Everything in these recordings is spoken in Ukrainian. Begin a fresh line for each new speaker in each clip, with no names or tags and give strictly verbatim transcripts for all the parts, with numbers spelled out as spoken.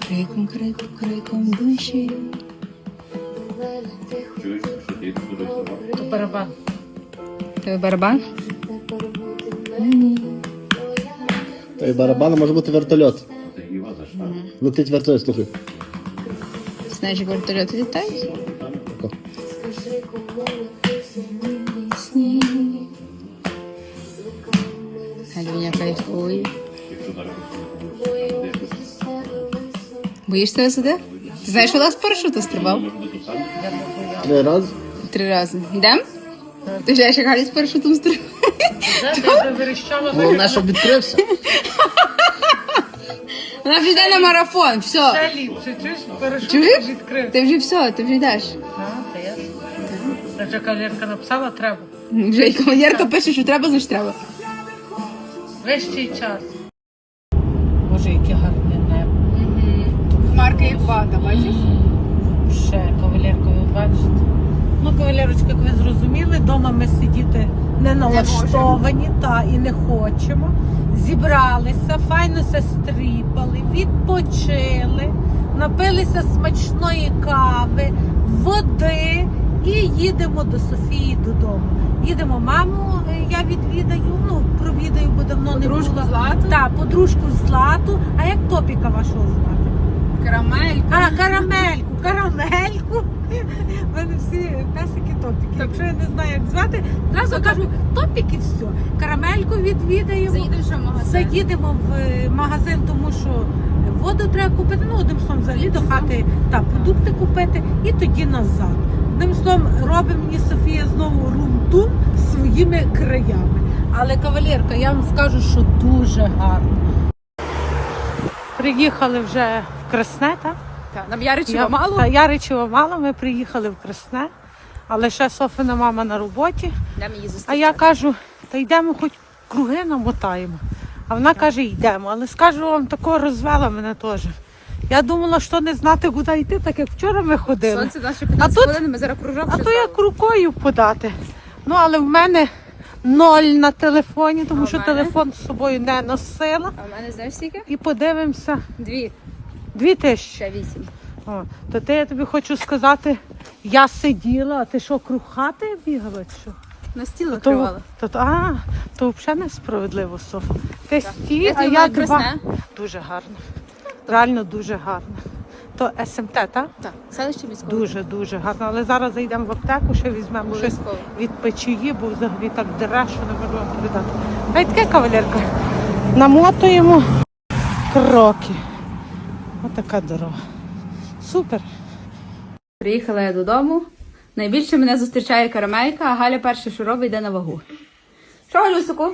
криком, криком, криком душі.
Чуєш, що ти тут рисував?
То барабан.
Той барабан?
Той барабан може бути вертольот.
Ти його за штаб.
Летить вертольот, слухай.
Знаєш, як вертольот літає?
Тако.
Галюня кайфує.
Якщо зараз будеш
Боїшся висоти? Ти знаєш, що у нас парашуту стрибав?
Три рази.
Три рази. Йдем? Ти ж як Галя з парашутом стрибав?
Де верещала?
Головне, щоб відкрився.
Вона вже йде на марафон, все.
Ще ліпше, чуєш? Парашут
Чуєш?
відкрив.
Ти вже все, ти вже йдеш.
А, та я. Та вже кавалерка написала, треба.
Вже і кавалерка пише, що треба, значить треба.
Вищий час. Боже, яке гарне небо.
Хмарка як вата, бачиш?
Ще кавалерка, ви бачите. Ну, кавалерочка, як ви зрозуміли, вдома ми сидіти не налаштовані, та і не хочемо. Зібралися, файно се стріпали, відпочили, напилися смачної кави, води і їдемо до Софії додому. Їдемо маму, е, я відвідаю, ну, провідаю, бо давно не було.
Подружку Злату?
Так, подружку Злату. А як топіка вашого звати?
Карамелька.
А, карамельку, карамельку. У мене всі песики топіки. Якщо я не знаю, як звати, зразу кажу топік і все. Карамельку відвідаємо.
Заїдемо що в магазин?
Заїдемо в е, магазин, тому що воду треба купити. Ну, одним словом, взагалі до хати та продукти купити і тоді назад. Одним словом, робить мені Софія знову рум-тум своїми краями. Але кавалерка, я вам скажу, що дуже гарно. Приїхали вже в Красне, так?
Так, нам Яричева мало?
Та Яричева мало, ми приїхали в Красне, але ще Софина мама на роботі.
Йдемо її
А
зустрічати.
я кажу, та йдемо хоч круги намотаємо. А вона каже, йдемо. Але скажу вам, такого розвела мене теж. Я думала, що не знати, куди йти, так як вчора ми ходили.
Сонце наше
А
п'ятнадцять
тут-
хвилин, ми зараз кружок
А
ще
то як
зробимо.
рукою подати. Ну, але в мене ноль на телефоні, тому
А в
що
мене?
телефон з собою не носила.
А в мене знаєш скільки?
І подивимося.
Дві,
Дві тисячі.
ще вісім.
О, то ти, я тобі хочу сказати, я сиділа, а ти що, круг хати бігала чи що?
На стіл
То,
накривала.
то, то, а, то взагалі несправедливо, Софа. Ти стій,
Як
а
тобі
я
було
два.
Красне?
Дуже гарно. Реально дуже гарно. То ес ем те, так?
Так, селище військове.
Дуже, дуже гарно. Але зараз зайдемо в аптеку, ще візьмемо щось
Обов'язково.
від печії, бо взагалі так дере, що не можу вам передати. А й таке, кавалерка. Намотуємо кроки. Отака дорога. Супер.
Приїхала я додому. Найбільше мене зустрічає карамелька, а Галя перше, що робить, йде на вагу. Що, Галюсику?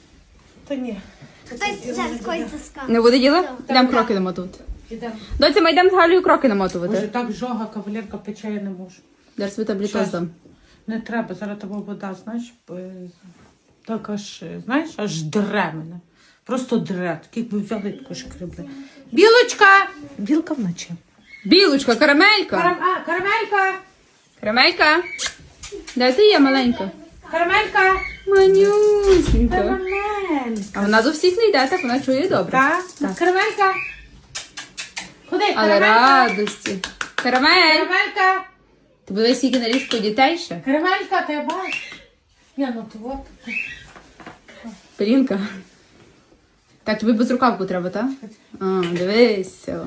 Та ні.
Хтось зараз когось заскав.
Не буде діла? Йдемо кроки намотувати.
Ідемо.
Доці, ми йдемо з Галею кроки
Може,
намотувати.
так жога, кавалерка пече, я не можу.
Зараз ви таблетку
Щас.
здам.
Не треба, зараз тебе вода, знаєш, е, так аж, е, знаєш, аж дре мене. Просто дре, так якби взяли таку шкребли. Білочка! Білка вночі.
Білочка, карамелька.
Карам... А, карамелька!
Карамелька. Де ти є, маленька?
Карамелька!
Манюсенька.
Карамелька!
А вона до всіх не йде, так вона чує добре.
Так?
Так.
Карамелька! Ходи,
Але
карамелька!
радості. Карамель.
Карамелька!
Ти були скільки на різку дітей ще?
Карамелька, ти бачиш? Я ну то от.
Пелінка. Так, тобі безрукавку треба, так? А, дивися.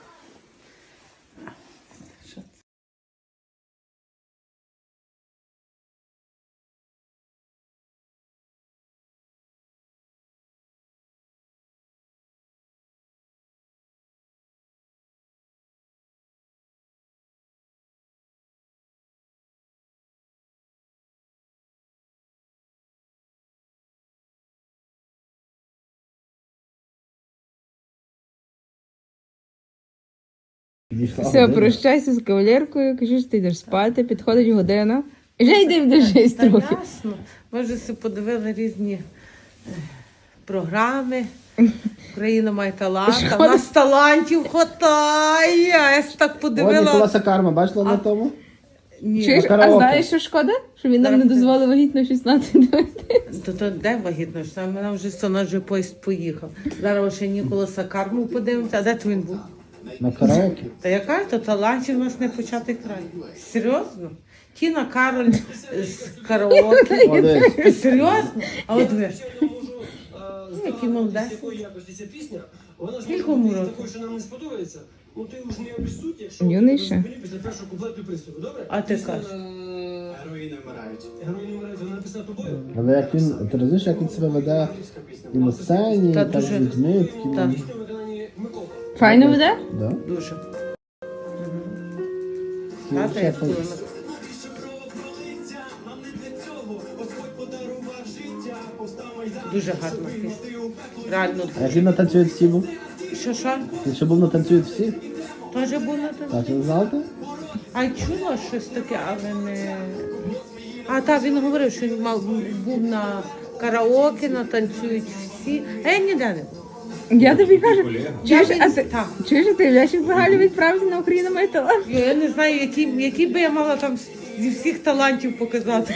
Все, прощайся з кавалеркою, кажи, що ти йдеш спати, підходить година. І вже йди вдержись
Та
трохи.
ясно. Ми вже си подивили різні е, програми. Україна має талант. А в нас талантів хватає. Я ж так
От
подивила.
Ніколаса Карма, бачила на тому?
Ні.
Чуєш, а
караоке.
знаєш, що шкода? Що він нам не дозволив вагітно шістнадцять дойти.
То, то де вагітно? Що вона вже вона вже поїзд поїхав. Зараз ще Ніколаса Карму подивимося. А де то він був?
На караоке.
Та яка то талантів у нас не початий край. Серйозно? Тіна Кароль з караоке.
О, дивись.
Ти серйозно? А от ви. Який молодець. Скількому року?
Юний ще.
А ти кажеш?
Але як він, ти розумієш, як він себе веде і на сцені,
Та
і так з
дуже.
людьми, такі.
Так.
Файно веде?
Да?
Дуже.
Ну,
Тата
ще
як
так.
коли дуже гарна пісня. Реально
А як він на танцюють всі був?
Що що?
Він ще був на танцюють всі?
Теж було так?
Так, ви знали?
А чула щось таке, але не. А так, він говорив, що він мав був на караоке, на танцюють всі. А я ніде не був.
Я тобі кажу, чуєш,
Я
а
від-
ти,
так.
чуєш, а ти Ляшик Галю відправити на Україну має талант?
Я я не знаю, який, який би я мала там зі всіх талантів показати.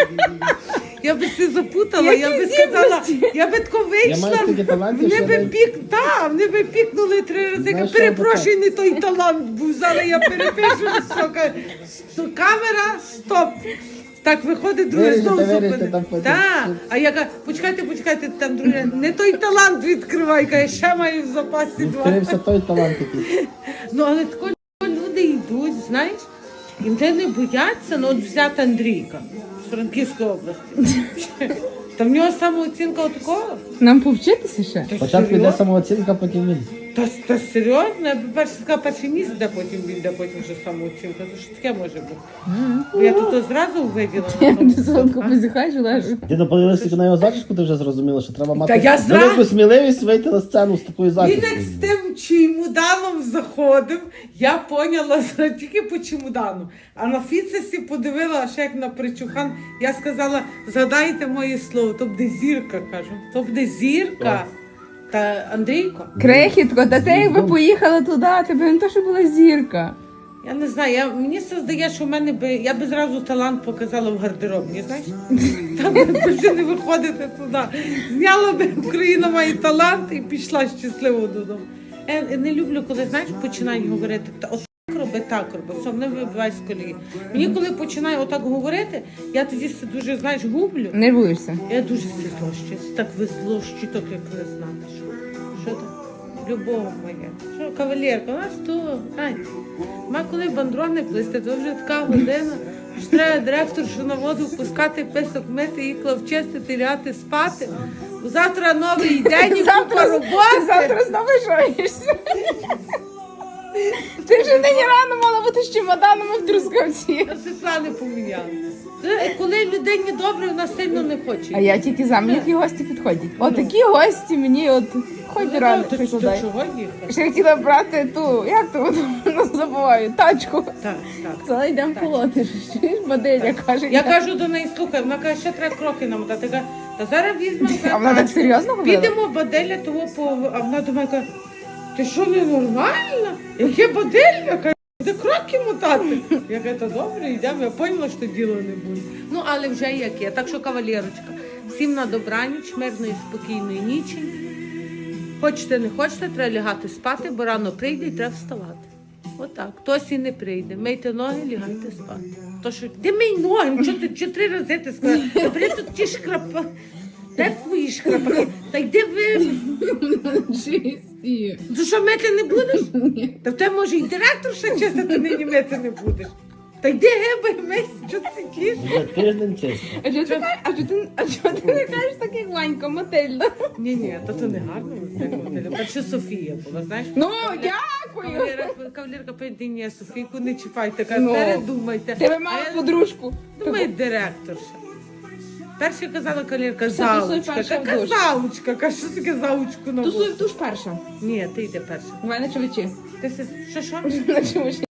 Я би все запутала, я би сказала, я би тако
Я маю
вийшла,
стільки талантів,
вони
що
би
я навіть-
пік, та, вони би пікнули три рази. Я
Знаєш,
кажу,
що
перепрошую, не той талант був, зараз я перепишу, що кажу, «Сто- камера, стоп. Так виходить, друге
Виріжете,
знову
виріжете,
зупинить.
там потім.
Так, а я кажу, почекайте, почекайте, там друге, не той талант відкривай, каже, ще маю в запасі два.
Відкрився той талант такий.
Ну, але тако люди йдуть, знаєш, і вже не бояться, ну от взяти Андрійка з Франківської області. Та в нього самооцінка отакого.
Нам повчитися ще?
Та
Спочатку йде
серйозно?
самооцінка, потім він.
Та, та серйозно, я б перше сказала, перше місце, де потім він, де потім вже самооцінка. То що таке може бути? Бо я тут одразу виділа.
Я до сонку позіхаєш, Лежу.
Ти подивилася на його зачіску, ти вже зрозуміла, що треба мати
Та я зра-
велику сміливість вийти на сцену з такою
Він
зачіскою.
як з тим чемоданом заходив, я поняла зра- тільки по чемодану. А на фіцесі подивила, а ще як на причухан, я сказала, згадайте моє слово, то буде зірка, кажу. То буде зірка. Та Андрійко,
Крехітко, та ти якби поїхала туди, тебе не то, що була зірка.
я не знаю, я, мені це здає, що в мене би, я би зразу талант показала в гардеробні, знаєш? Там би вже не виходити туди. Зняла би Україна має талант і пішла щасливо додому. Я не люблю, коли, знаєш, починають говорити, та от так роби, так роби, все, мене вибиває з колії. Мені коли починаю отак говорити, я тоді це дуже, знаєш, гублю.
Нервуєшся.
Я дуже всі злощуюсь, так ви злощі, так як не знати, що. Що там? Любов моя. Що, кавалерка, у нас то, ай, ма коли бандрони плисти, то вже така година, що треба директоршу на воду впускати, писок мити, іклав чистити, ляти, спати. Бо завтра новий день і купа
Ти
роботи.
завтра знову жаєшся. Ти вже нині рано мала бути з чемоданами в Трускавці.
Я Світлани поміняла. Е, Коли людині добре, вона сильно не хоче.
А я тільки за мені які гості підходять. Отакі гості мені от хоч
Ну,
рано
то- то
прикладай.
чого їхати?
Ще хотіла брати ту, як то ну, забуваю, тачку.
Так, так.
Зараз йдемо полоти. Чуєш, модель, каже.
Я кажу до неї, слухай, вона каже, ще треба кроки намотати. Я кажу, та зараз візьмемо.
А вона так серйозно говорила?
Підемо баделя того по. А вона думає, каже, ти що, ненормальна? Яке баделя? Каже, де кроки мотати? Я кажу, та добре, йдемо. Я поняла, що діло не буде. Ну, але вже як є. Так що, кавалерочка, всім на добраніч, мирної, спокійної нічі. Хочете, не хочете, треба лягати спати, бо рано прийде і треба вставати. Отак. Хтось і не прийде. Мийте ноги, лягайте спати. То що, ти мий ноги, що ти чи три рази ти сказала? Та бери тут ті шкрапа. Де твої шкрапаки? Та йди ви.
Чисті.
Ти що, мити не будеш? Та в тебе, може, і директор ще чистити нині мити не будеш. Та йди гиби, мись, що ти сидиш?
Вже тиждень чисто.
А чого ти, кажеш- а чого ти, а чого ти не кажеш так, як Ванька, Матильда?
Ні, ні, то то не гарно. Перше Софія була, знаєш?
Ну, дякую.
Кавалерка, кавалерка пойди, ні, Софійку не чіпайте, каже,
Ну.
передумайте.
Тебе
А
мала
я
подружку.
думаю, директорша. Перше казала кавалерка,
Все, тусуй
заучка.
перша в
Така
душ.
заучка, каже, що таке заучку на
Тусуй
вулиці?
в душ перша.
Ні, ти йди перша.
Давай на чоловічі.
Ти си- що, що?
На чоловічі.